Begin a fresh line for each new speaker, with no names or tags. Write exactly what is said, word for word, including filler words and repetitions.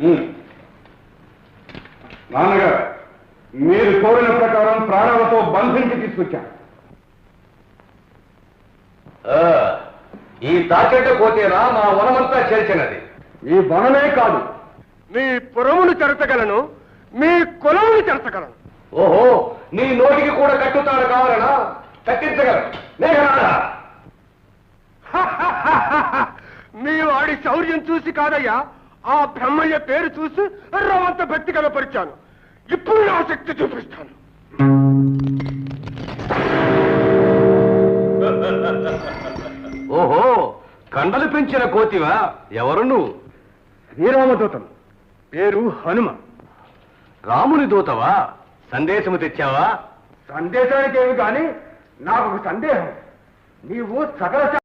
నాన్నగారు, మీరు కోరిన ప్రకారం ప్రాణాలతో బంధించి తీసుకొచ్చాను.
ఈ తాచెట్ట కోతేనా మా వనమంతా చేర్చినది?
ఈ వనమే కాదు,
మీ పురమును చెరచగలను, మీ కులమును చెరచగలను.
ఓహో, నీ నోటికి కూడా కట్టుతాడు కావాలనా? కట్టించగలను. మేఘనాథ,
మీ వాడి శౌర్యం చూసి కాదయ్యా, ఆ బ్రహ్మయ్య పేరు చూసి రవంత భక్తి కనపరిచాను. ఇప్పుడు నా శక్తి చూపిస్తాను.
ఓహో, కండలు పెంచిన కోతివా? ఎవరు నువ్వు?
శ్రీరామదూతం, పేరు హనుమ.
రాముని దూతవా? సందేశము తెచ్చావా?
సందేశానికి ఏమి కానీ నాకు ఒక సందేహం. నీవు సకల